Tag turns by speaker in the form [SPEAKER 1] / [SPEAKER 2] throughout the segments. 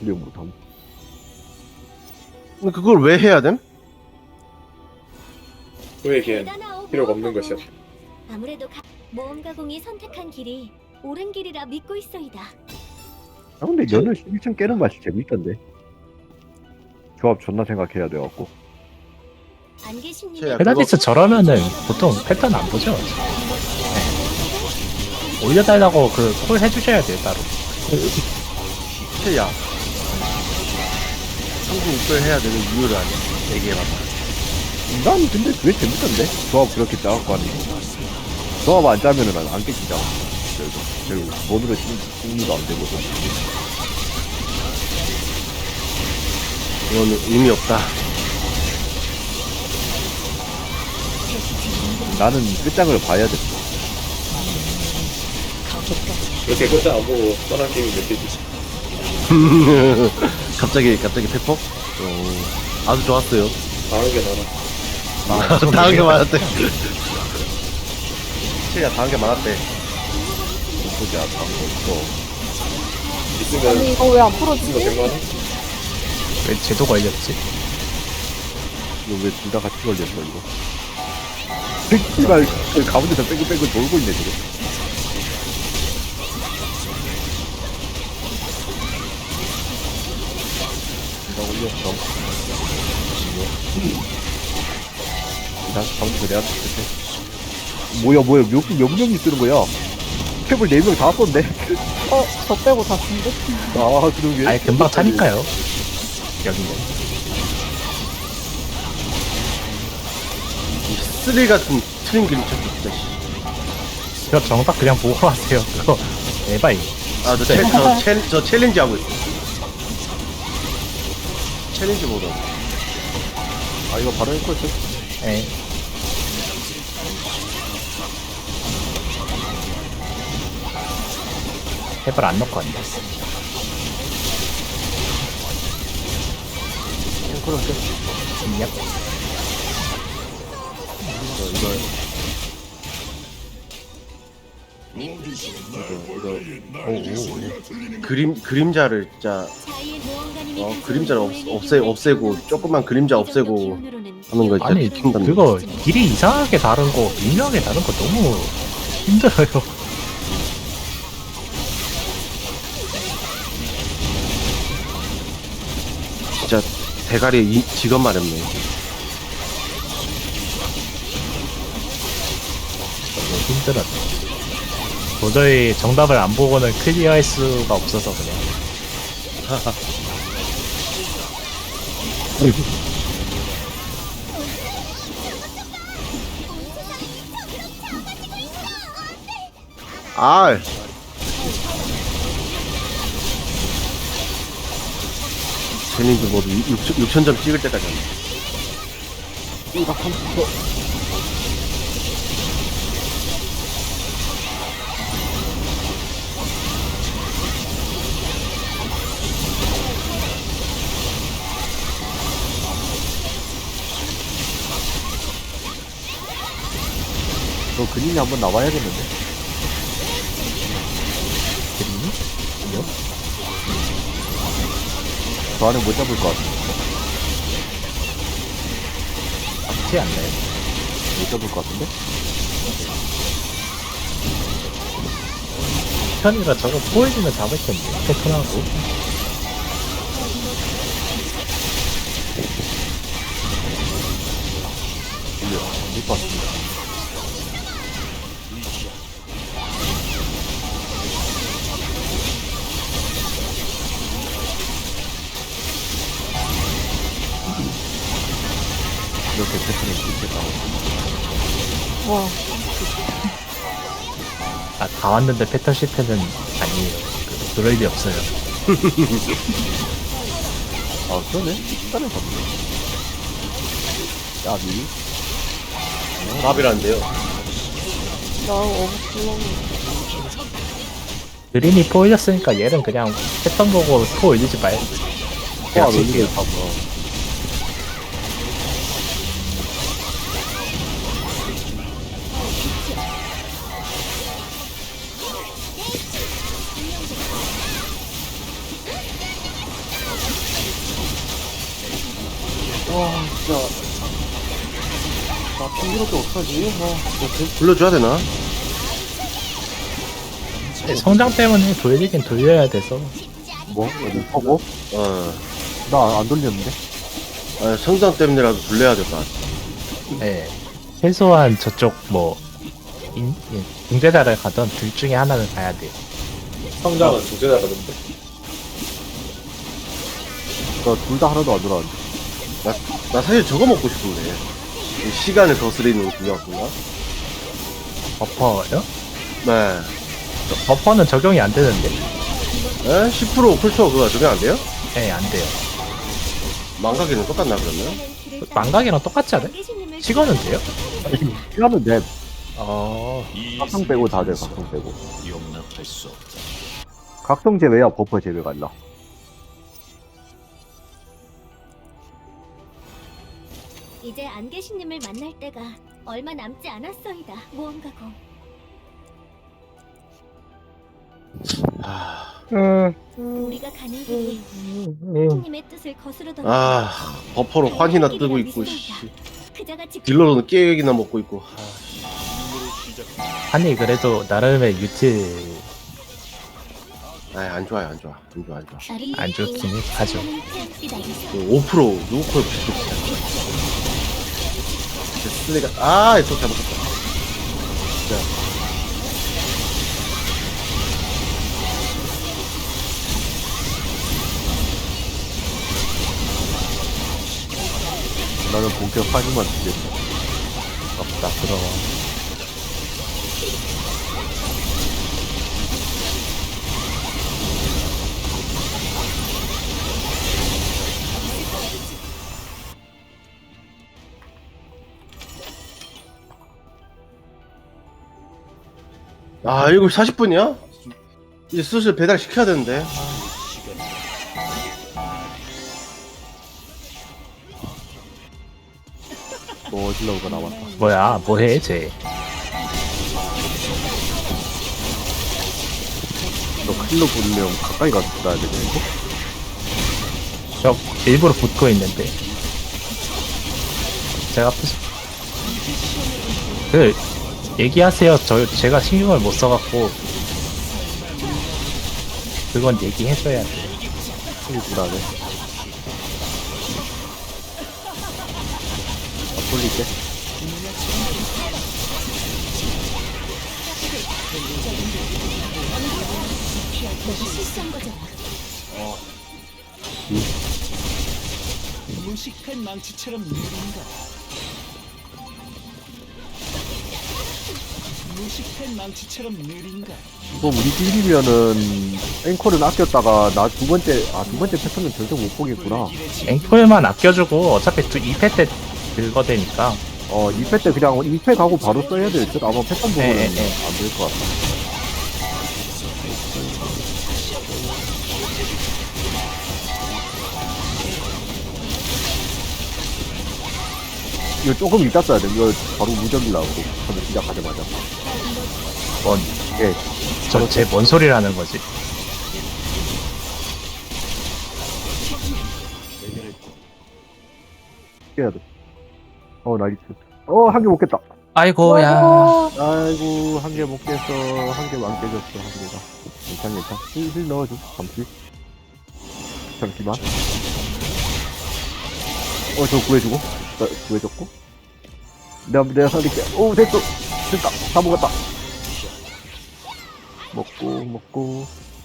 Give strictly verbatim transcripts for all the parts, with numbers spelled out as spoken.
[SPEAKER 1] 클리어 못함.
[SPEAKER 2] 근데 그걸 왜 해야 됨?
[SPEAKER 3] 우리에겐 필요가 없는 것이야.
[SPEAKER 4] 아무래도 가... 모험가공이 선택한 길이 옳은 길이라 믿고 있어이다.
[SPEAKER 1] 아 근데 연을 십일 층 깨는 맛이 재밌던데. 조합 존나 생각해야 돼갖고.
[SPEAKER 4] 안 계신
[SPEAKER 2] 제가
[SPEAKER 4] 님의
[SPEAKER 5] 페달리스 저러면은 보통 패턴 안 보죠. 네. 올려달라고 그 콜 해주셔야 돼요 따로.
[SPEAKER 2] 최야 한국 입을 해야 되는 이유를 아냐 얘기해봐봐.
[SPEAKER 1] 난 근데 그게 재밌던데. 조합 그렇게 짜갖고 하는 거. 조합 안 짜면은 난 안 깨지잖아. 결국 결국 돈으로 승리도 안 되거든.
[SPEAKER 2] 이거는 의미 없다.
[SPEAKER 1] 나는 끝장을 봐야 돼.
[SPEAKER 3] 이렇게 끝장 안 보고 떠난 게임이 몇 개지?
[SPEAKER 2] 갑자기 갑자기 페퍼? 어, 아주 좋았어요.
[SPEAKER 3] 당한 게 많아.
[SPEAKER 1] 아,
[SPEAKER 2] 당한 게 많았대. 최야 당한 게 많았대.
[SPEAKER 1] 보자, 방금 또.
[SPEAKER 3] 있으면
[SPEAKER 6] 아니 이거 왜 안
[SPEAKER 3] 있으면
[SPEAKER 6] 풀어지지?
[SPEAKER 3] 백만 원?
[SPEAKER 5] 왜 제도 걸렸지?
[SPEAKER 1] 이거 왜 둘 다 같이 걸렸어 이거? 새끼가 그 가운데서 뺑글뺑글 돌고 있네 지금. 내가 올렸어. 나 가운데서 내가 쳤을 뭐야 뭐야 몇, 몇 명이 쓰는 거야? 캡을 네 명 다 썼네.
[SPEAKER 6] 어? 저 빼고 다 쓴데?
[SPEAKER 1] 아 그러게.
[SPEAKER 5] 아예 금방 차니까요. 여기는.
[SPEAKER 2] 쓰리 같은 트림 그림 쳤어 진짜.
[SPEAKER 5] 그거 정답 그냥 보고 하세요. 그거 에바이.
[SPEAKER 2] 아저 챌, 저, 챌, 저 챌린지 하고 있어. 챌린지 모드.
[SPEAKER 1] 아 이거 바로 했거든.
[SPEAKER 5] 예. 해발 안 넣고 왔네.
[SPEAKER 1] 그럼 끝.
[SPEAKER 5] 얍.
[SPEAKER 1] 이거 이거 이거
[SPEAKER 2] 그림 그림자를 진짜
[SPEAKER 4] 자의 모험가님이
[SPEAKER 2] 어,
[SPEAKER 4] 가져온
[SPEAKER 2] 그림자를 없,
[SPEAKER 4] 노예에게
[SPEAKER 2] 없애 없애고
[SPEAKER 4] 이루어진
[SPEAKER 2] 조금만 그림자
[SPEAKER 4] 이 정도
[SPEAKER 2] 없애고
[SPEAKER 4] 기운으로는
[SPEAKER 2] 하는 거 진짜
[SPEAKER 5] 아니
[SPEAKER 2] 킹받네.
[SPEAKER 5] 그거 길이 이상하게 다른 거 미묘하게 다른 거 너무 힘들어요.
[SPEAKER 2] 진짜 대가리 이, 직업 마렵네.
[SPEAKER 5] 너무 힘들었네. 도저히 정답을 안 보고는 클리어할 수가 없어서 그냥.
[SPEAKER 2] 아. 챌린지 모두 육천 점 찍을 때까지 한다.
[SPEAKER 1] 이거 컴퓨터. 너 근인이 한번 나와야겠는데?
[SPEAKER 5] 그림이? 아니요?
[SPEAKER 1] 저 안에 못 잡을 것 같아.
[SPEAKER 5] 앞이 안 나요.
[SPEAKER 1] 못 잡을 것 같은데?
[SPEAKER 5] 편이라 저거 보여주면 잡을 텐데. 패턴하고.
[SPEAKER 1] 이게 안될것 같습니다. 이렇게 패턴을 찍겠다.
[SPEAKER 6] 와
[SPEAKER 5] 아, 다 왔는데 패턴 실패는 아니에요. 그, 그럴 리 없어요.
[SPEAKER 1] 아, 그러네? 식단을 잡네. 야, 미
[SPEAKER 2] 답이란데요.
[SPEAKER 6] 나 어부슬렁
[SPEAKER 5] 그림이 포 올렸으니까 얘는 그냥 패턴 보고 포 올리지 말고.
[SPEAKER 1] 와,
[SPEAKER 5] 그냥
[SPEAKER 1] 왜
[SPEAKER 5] 칠게요.
[SPEAKER 1] 이게 다 뭐.
[SPEAKER 2] 와 진짜 나 핑계밖에 어떡하지? 아 진짜 불러줘야 되나?
[SPEAKER 5] 성장 때문에 돌리긴 돌려야 돼서.
[SPEAKER 1] 뭐? 어디 퍼고?
[SPEAKER 2] 어
[SPEAKER 1] 나 안 돌렸는데?
[SPEAKER 2] 아, 성장 때문에라도 불러야 될 것 같아.
[SPEAKER 5] 네. 최소한 저쪽 뭐 인, 예, 중재자를 가던 둘 중에 하나는 가야 돼요.
[SPEAKER 3] 성장은 두제나 가는데.
[SPEAKER 1] 나둘 다 하나도 안 돌아왔는데.
[SPEAKER 2] 나, 나 사실 저거 먹고 싶은데. 이 시간을 거스리는 공격인가?
[SPEAKER 5] 버퍼요?
[SPEAKER 2] 네.
[SPEAKER 5] 버퍼는 적용이 안 되는데.
[SPEAKER 2] 에? 십 퍼센트 쿨초 그거 적용 안 돼요?
[SPEAKER 5] 네, 안 돼요.
[SPEAKER 2] 망가기는 똑같나 그러면?
[SPEAKER 5] 망각이랑 똑같지 않아요? 시간은 돼요?
[SPEAKER 1] 시간은 내
[SPEAKER 5] 어,
[SPEAKER 1] 각성 빼고 다 돼, 각성 빼고. 각성 제외야 버퍼 제외가 안 나.
[SPEAKER 4] 이제 안개신님을 만날 때가 얼마 남지 않았어이다. 모험가고.
[SPEAKER 2] 아,
[SPEAKER 4] 우리가 가는 길이 신님의 뜻을 거스르던
[SPEAKER 2] 아 버퍼로 환희나 뜨고 있고 씨.
[SPEAKER 4] 그자가 직
[SPEAKER 2] 딜러로는 깨액이나 먹고 있고. 아, 씨.
[SPEAKER 5] 아니 그래도 나름의 유틸
[SPEAKER 2] 아이 안 좋아요 안 좋아 안 좋아 안 좋아.
[SPEAKER 5] 안 좋긴 하죠.
[SPEAKER 2] 그 오 퍼센트 누구 콜 비슷해. 슬리가 아 또 잘못했다.
[SPEAKER 1] 나는 본격 환희만 듣겠어.
[SPEAKER 5] 없다 그럼.
[SPEAKER 2] 아 일곱 시 사십 분이야? 이제 슬슬 배달 시켜야 되는데.
[SPEAKER 1] 너 어질러가 나왔다.
[SPEAKER 5] 뭐야 뭐해 쟤.
[SPEAKER 1] 너 클로 보려면 가까이 가서 들어야 되겠는데?
[SPEAKER 5] 저 일부러 붙고 있는데. 제가 푸시. 그 얘기하세요. 저 제가 신경을 못 써갖고 그건 얘기해줘야 돼.
[SPEAKER 1] 클이 불안해. 아, 돌릴게.
[SPEAKER 4] 내가 실수한 거잖아.
[SPEAKER 7] 무식한 망치처럼 느린가? 무식한 망치처럼 느린가?
[SPEAKER 1] 또 우리 팀이면은 앵콜은 아꼈다가 나 두 번째 아 두 번째 패턴은 절대 못 보겠구나.
[SPEAKER 5] 앵콜만 아껴주고 어차피 이 패 때 긁어대니까.
[SPEAKER 1] 어 이 패 때 그냥 이 패 가고 바로 써야 될 듯. 아마 패턴 보고는
[SPEAKER 5] 네, 네.
[SPEAKER 1] 안 될 것 같아. 이거 조금 이따 써야 돼. 이거 바로 무적이 나오고 처음에 시작하자마자.
[SPEAKER 5] 뭔,
[SPEAKER 1] 예.
[SPEAKER 5] 저, 쟤 뭔 소리를 하는 거지?
[SPEAKER 1] 깨야 돼. 어 나이스. 어 한 개 못 깼다.
[SPEAKER 5] 아이고야.
[SPEAKER 1] 아이고 한 개 못 깼어. 한 개 안 깨졌어 한 개가. 괜찮 괜찮. 힐, 힐 넣어줘. 잠시. 잠시만. 어 저 구해주고. 나 구해줬고. 내가 내가 살릴게. 오 됐어. 됐다. 다 먹었다. 먹고 먹고.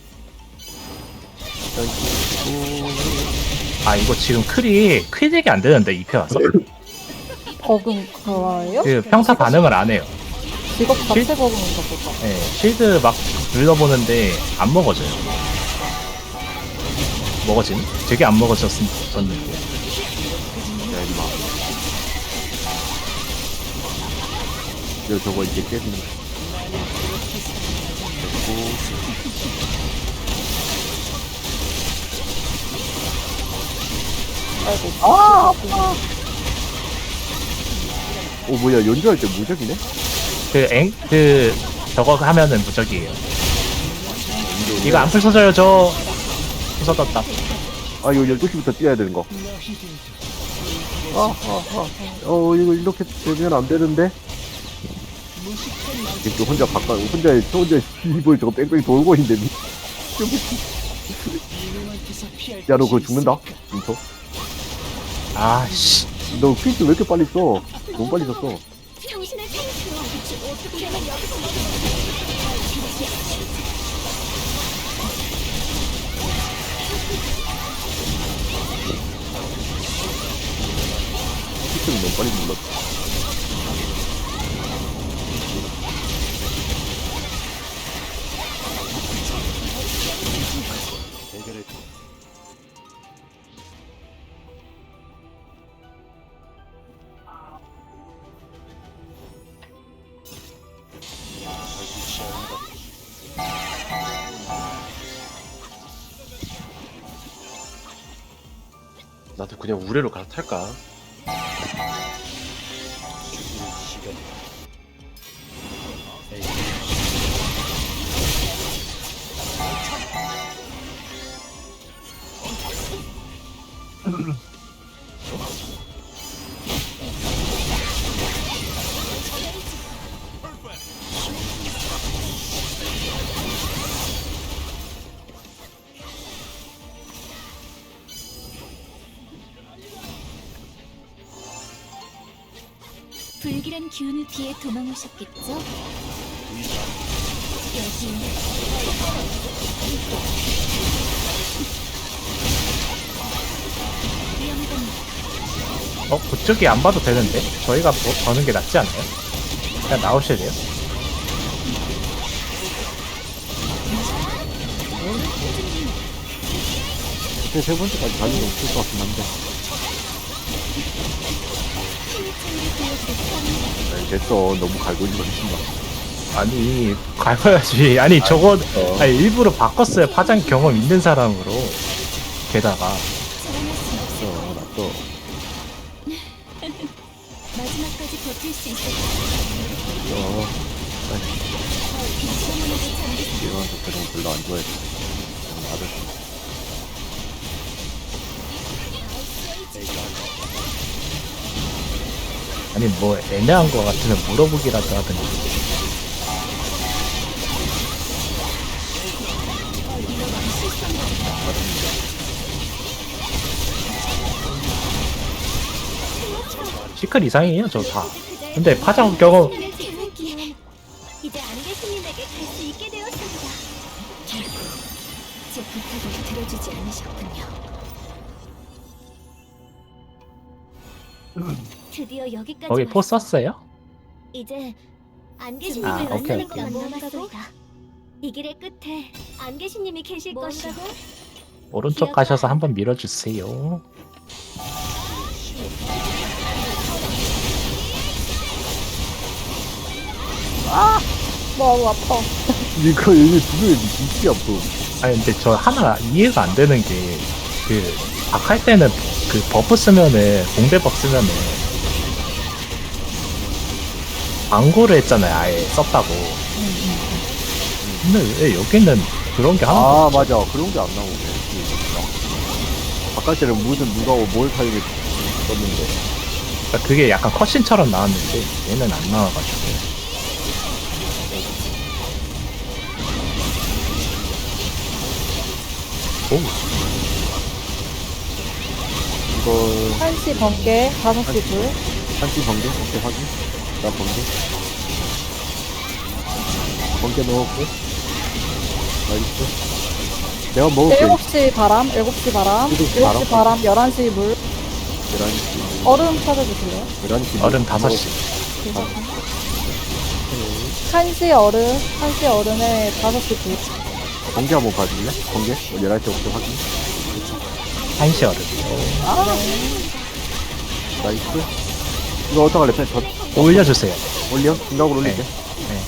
[SPEAKER 1] 먹고.
[SPEAKER 5] 아 이거 지금 클이 퀴직이 안 되는데 이 패 와서
[SPEAKER 6] 버금 그거예요?
[SPEAKER 5] 그 평타 반응을 안 해요.
[SPEAKER 6] 직업 자체 버금인가 보다.
[SPEAKER 5] 예, 실드 막 눌러보는데 안 먹어져요. 먹어진? 되게 안 먹어졌었는데.
[SPEAKER 1] 야 임마. 이거 저거 이제 깨지는 거. 됐고.
[SPEAKER 6] 아이고. 아, 아파.
[SPEAKER 1] 오 뭐야 연주할 때 무적이네?
[SPEAKER 5] 그 앵, 그 저거 하면은 무적이에요. 이거 안 풀서져요 저. 풀서졌다.
[SPEAKER 1] 아 이거 열두 시부터 뛰어야 되는 거. 아, 아, 아. 어, 이거 이렇게 되면 안 되는데? 지금 또 혼자 바깥, 혼자, 저 혼자 이불 저거 뺑뺑 돌고 있는데. 미- 야, 너 그거 죽는다? 인터?
[SPEAKER 5] 아씨.
[SPEAKER 1] 너 퀴즈 왜 이렇게 빨리 써? 너무 빨리 썼어.
[SPEAKER 4] 정신을 차리시오. 어떻게 하면 여기서 먹을
[SPEAKER 1] 퀴즈는 너무 빨리 눌렀어.
[SPEAKER 2] 나도 그냥 우레로 갈아탈까?
[SPEAKER 4] 불길한 기운을 피해 도망오셨겠죠? 여기 위험합니다.
[SPEAKER 5] 어 그쪽이 안 봐도 되는데 저희가 뭐, 버는 게 낫지 않나요? 그냥 나오셔야 돼요.
[SPEAKER 1] 근데 세 번째까지 가는 게 없을 것 같긴 한데. 아니, 됐어. 너무 갈고 있는 거 미친다.
[SPEAKER 5] 아니 가봐야지. 아니 저거 아니, 일부러 바꿨어요. 파장 경험 있는 사람으로. 게다가
[SPEAKER 1] 어, 놨어.
[SPEAKER 4] 마지막까지 버틸 수 있을
[SPEAKER 1] 어. 이런 거 그런 거 별로 안 좋아해. 그냥 놔뒀어.
[SPEAKER 5] 아니 뭐 애매한 거 같으면 물어보기라도 하든지. 시클 이상이에요 저 다. 근데 파장 경험
[SPEAKER 4] 이제 안개신님에게 갈 수 있게 되었습니다. 결국 제 부탁을 들어주지 않으셨군요. 드디어 여기까지
[SPEAKER 5] 거기 포
[SPEAKER 4] 왔어.
[SPEAKER 5] 썼어요?
[SPEAKER 4] 이제 안개신님을
[SPEAKER 5] 아, 오케이,
[SPEAKER 4] 만나는 것만 남았소이다. 이 길의 끝에 안개신님이 계실 것이오.
[SPEAKER 5] 오른쪽 가셔서 한번 밀어주세요.
[SPEAKER 6] 너무 아파.
[SPEAKER 1] 이거 얘네 두개 미치지 않고.
[SPEAKER 5] 아니 근데 저 하나 이해가 안 되는 게 그 박할 때는 그 버프 쓰면은 공대박 쓰면은 광고를 했잖아요. 아예 썼다고. 근데 왜 여기는 그런 게 하나도
[SPEAKER 1] 아
[SPEAKER 5] 없죠?
[SPEAKER 1] 맞아. 그런 게 안 나오네. 바깥에는 무슨 누가 뭘 사용해 썼는데.
[SPEAKER 5] 그러니까 그게 약간 컷신처럼 나왔는데 얘는 안 나와가지고. 오,
[SPEAKER 1] 이거
[SPEAKER 6] 한시 번개, 다섯 시 불.
[SPEAKER 1] 한시 번개? 오케이 확인. 나 번개. 번개 넣었고. 나이스. 내가 먹을게.
[SPEAKER 6] 일곱 시 바람, 일곱 시 바람,
[SPEAKER 1] 일곱 시
[SPEAKER 6] 일곱 시 바람, 열한 시 물.
[SPEAKER 1] 열한 시.
[SPEAKER 6] 얼음 찾아주실래요?
[SPEAKER 1] 열한 시.
[SPEAKER 5] 얼음 다섯 시.
[SPEAKER 6] 한시 얼음, 한시 얼음에 다섯 시 불.
[SPEAKER 1] 번개 한번 봐줄래? 번개? 열한 시부터 확인.
[SPEAKER 5] 한시 얼음.
[SPEAKER 1] 나이스. 이거 어떡할래? 펜 더
[SPEAKER 5] 올려주세요.
[SPEAKER 1] 올려? 중각으로 올릴게.
[SPEAKER 5] 네.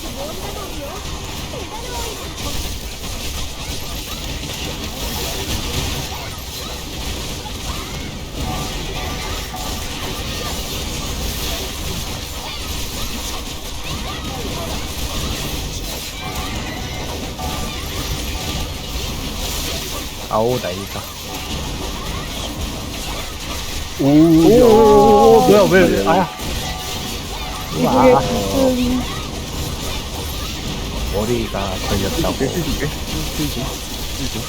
[SPEAKER 5] 아오 나이다.
[SPEAKER 1] 오, 오,
[SPEAKER 5] 뭐야 왜 아.
[SPEAKER 6] 이게
[SPEAKER 5] 와
[SPEAKER 6] 무슨
[SPEAKER 5] 머리가 걸렸다고.
[SPEAKER 1] 힐줄게 힐줄 힐줄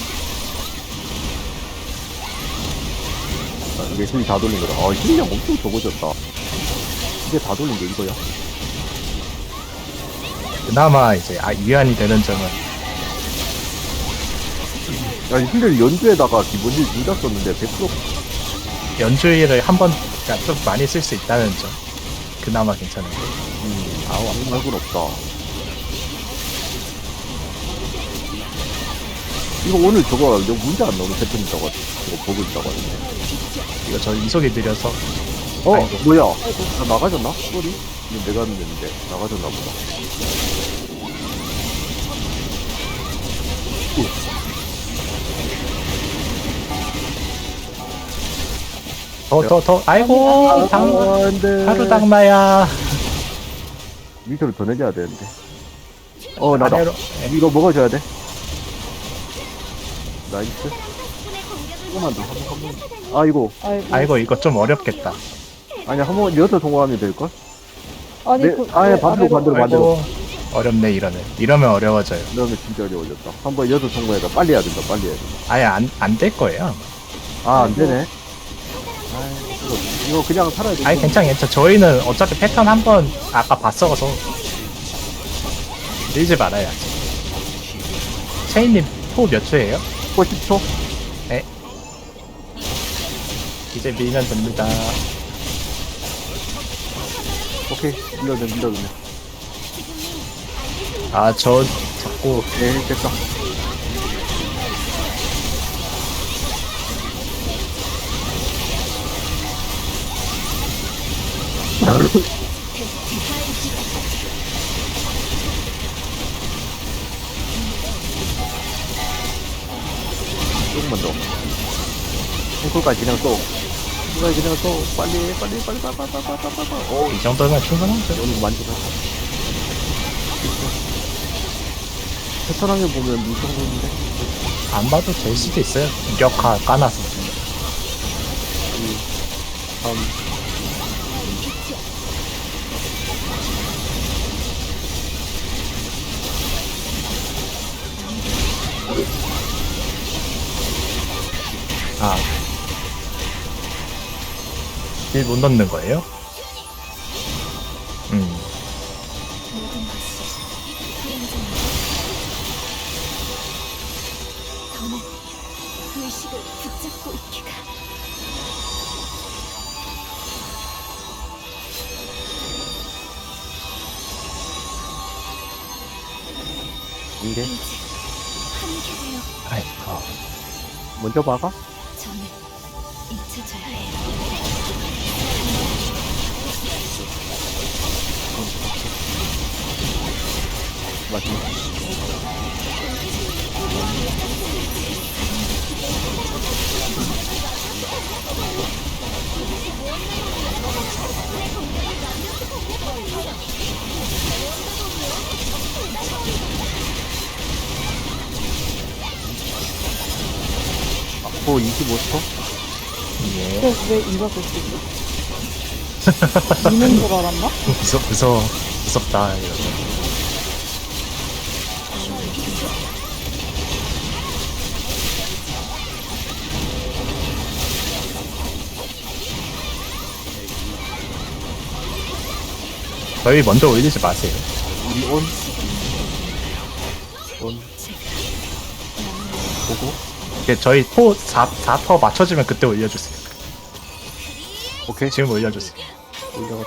[SPEAKER 1] 아, 이게 힐 다 돌린 거다. 아 힐량 엄청 적어졌다. 이게 다 돌린 게 이거야.
[SPEAKER 5] 그나마 이제 아 위안이 되는 점은
[SPEAKER 1] 야 힐을 연주에다가 기본 힐 둘 다 썼는데 백 퍼센트
[SPEAKER 5] 연주일을 한번 그러니까 좀 많이 쓸 수 있다는 점. 그나마 괜찮은데.
[SPEAKER 1] 음, 아우 아무 말군 없다. 이거 오늘 저거 너 문제 안 나오는 패턴 있다고 저거 보고 있다고 하는데.
[SPEAKER 5] 이거 저 이속이 느려서
[SPEAKER 1] 어
[SPEAKER 5] 아이고.
[SPEAKER 1] 뭐야? 나 나가졌나? 소리? 이거 내가 했는데 나가졌나 보다.
[SPEAKER 5] 더 더 더 아이고 당
[SPEAKER 1] 안돼.
[SPEAKER 5] 하루 당마야.
[SPEAKER 1] 밑으로 더 내려야 되는데. 어 나다.
[SPEAKER 5] 아래로
[SPEAKER 1] 이거 먹어줘야 돼. 나이스.
[SPEAKER 4] 적군의 공격을
[SPEAKER 1] 조금만 더. 한번 한번. 아이고.
[SPEAKER 6] 아이고.
[SPEAKER 5] 아이고 이거 좀 어렵겠다.
[SPEAKER 1] 아니야 한번 여기서 통과하면 될 걸?
[SPEAKER 6] 아니
[SPEAKER 1] 네,
[SPEAKER 6] 그
[SPEAKER 1] 아예
[SPEAKER 6] 왜
[SPEAKER 1] 반대로,
[SPEAKER 6] 아래로-
[SPEAKER 1] 반대로. 맞아.
[SPEAKER 5] 아이고 어렵네 이러면 이러면 어려워져요.
[SPEAKER 1] 그러면 진짜 어려워졌다. 한번 여기서 통과해서 빨리 해야 된다. 빨리 해야 된다.
[SPEAKER 5] 아예 안 안 될 거예요.
[SPEAKER 1] 아 안 되네. 아이, 이거, 이거 그냥 살아야 돼.
[SPEAKER 5] 아니 괜찮 괜찮. 저희는 어차피 패턴 한번 아까 봤어서 밀지 말아야지. 체인님 포 몇 초예요?
[SPEAKER 1] 거 십 초.
[SPEAKER 5] 이제 밀면 됩니다.
[SPEAKER 1] 오케이. 밀려내 밀려내.
[SPEAKER 5] 아 저 자꾸
[SPEAKER 1] 네 됐다. 조금만 더. 콩쿨까지 그냥 또. 이거 그냥 또 빨리 빨리 빨리 빨리 빨리 빨리 빨리 빨리 빨리. 오,
[SPEAKER 5] 이 정도면 충분하죠.
[SPEAKER 1] 오늘 만족했다. 패턴하게 보면 이 정도인데.
[SPEAKER 5] 안 봐도 될 수도 있어요. 무력화 까놔서.
[SPEAKER 1] 다음.
[SPEAKER 5] 아. 일 못 넣는 거예요? 음.
[SPEAKER 4] 모든 것이 불안정해. 더는 의식을 붙잡고 있기가.
[SPEAKER 1] 이게
[SPEAKER 4] 이제 함께 되어
[SPEAKER 5] 아이고.
[SPEAKER 1] 먼저 박아.
[SPEAKER 4] 저는 잊혀져야 해요.
[SPEAKER 1] 마지막. 앞으로 이십오 초?
[SPEAKER 5] 예.
[SPEAKER 6] 그래서 왜 이거 볼수 있어? 미는 줄 알았나?
[SPEAKER 5] 무서, 무서워. 무섭다. 이러면. 저희 먼저 올리지 마세요.
[SPEAKER 1] 우리 온. 온. 보고.
[SPEAKER 5] 이게 저희 포 사, 사 퍼 맞춰지면 그때 올려주세요.
[SPEAKER 1] 오케이.
[SPEAKER 5] 지금 올려주세요.
[SPEAKER 1] 올려가.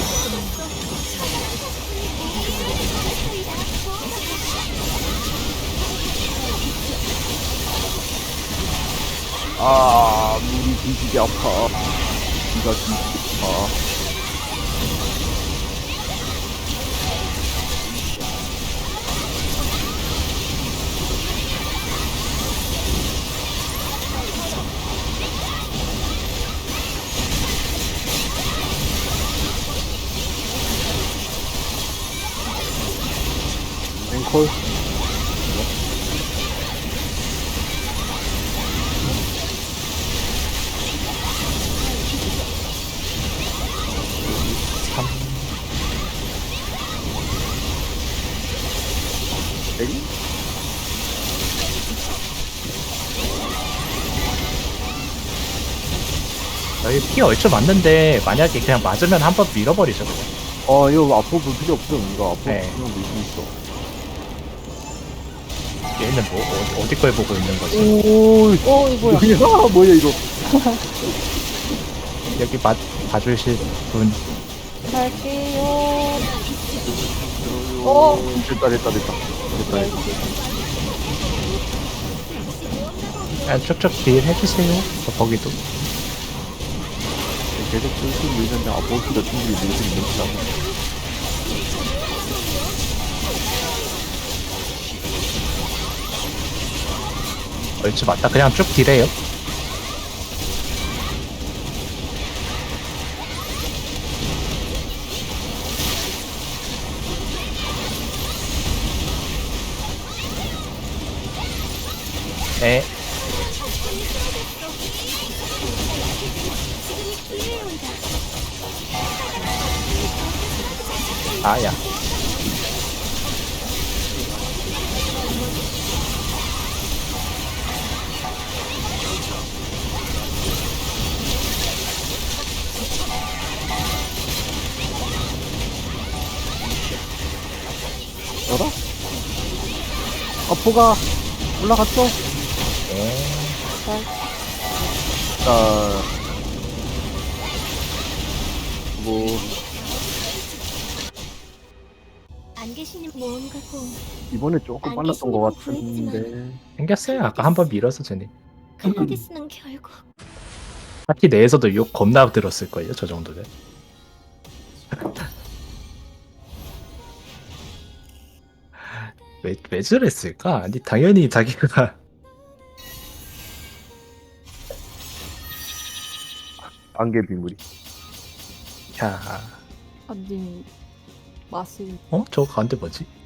[SPEAKER 1] 아, 물이 뒤지게 아파. 귀가 뒤지게 아파. 앵콜.
[SPEAKER 5] 저희 피 얼추 맞는데 만약에 그냥 맞으면 한번 밀어버리죠 그냥.
[SPEAKER 1] 어 이거 앞으로 볼 필요 없음. 이거 앞으로
[SPEAKER 5] 네.
[SPEAKER 1] 그냥 밀수 있어.
[SPEAKER 5] 얘는 뭐 어, 어디 걸 보고 있는 거지?
[SPEAKER 1] 오,
[SPEAKER 6] 오, 이거 뭐야.
[SPEAKER 1] 뭐야 뭐야 이거.
[SPEAKER 5] 여기 맞 봐주실 분.
[SPEAKER 6] 갈게요.
[SPEAKER 1] 오,
[SPEAKER 6] 어.
[SPEAKER 1] 됐다 됐다 됐다. 됐다 됐다.
[SPEAKER 5] 그냥 쭉쭉 딜 해주세요. 저 거기도.
[SPEAKER 1] 계속 슬슬 밀는데 앞으로도 충분히 밀수 있는 거다.
[SPEAKER 5] 얼추 맞다. 그냥 쭉 딜해요. 네. 아야.
[SPEAKER 1] 알아? 아포가 올라갔어.
[SPEAKER 5] 네.
[SPEAKER 1] 자, 뭐
[SPEAKER 4] 안 계시는 모험가고
[SPEAKER 1] 이번에 조금
[SPEAKER 4] 안
[SPEAKER 1] 빨랐던
[SPEAKER 4] 계시는
[SPEAKER 1] 것
[SPEAKER 4] 건 구했지만.
[SPEAKER 1] 같은데.
[SPEAKER 5] 생겼어요. 아까 한 번 밀어서 쟤네.
[SPEAKER 4] 클라디스는 결국
[SPEAKER 5] 파티 내에서도 욕 겁나 들었을걸요. 저 정도면. 왜, 왜 저랬을까? 아니 당연히 자기가
[SPEAKER 1] 안개 비물이.
[SPEAKER 5] 야,
[SPEAKER 6] 아니, 맛이.
[SPEAKER 5] 어? 저거 가운데 뭐지?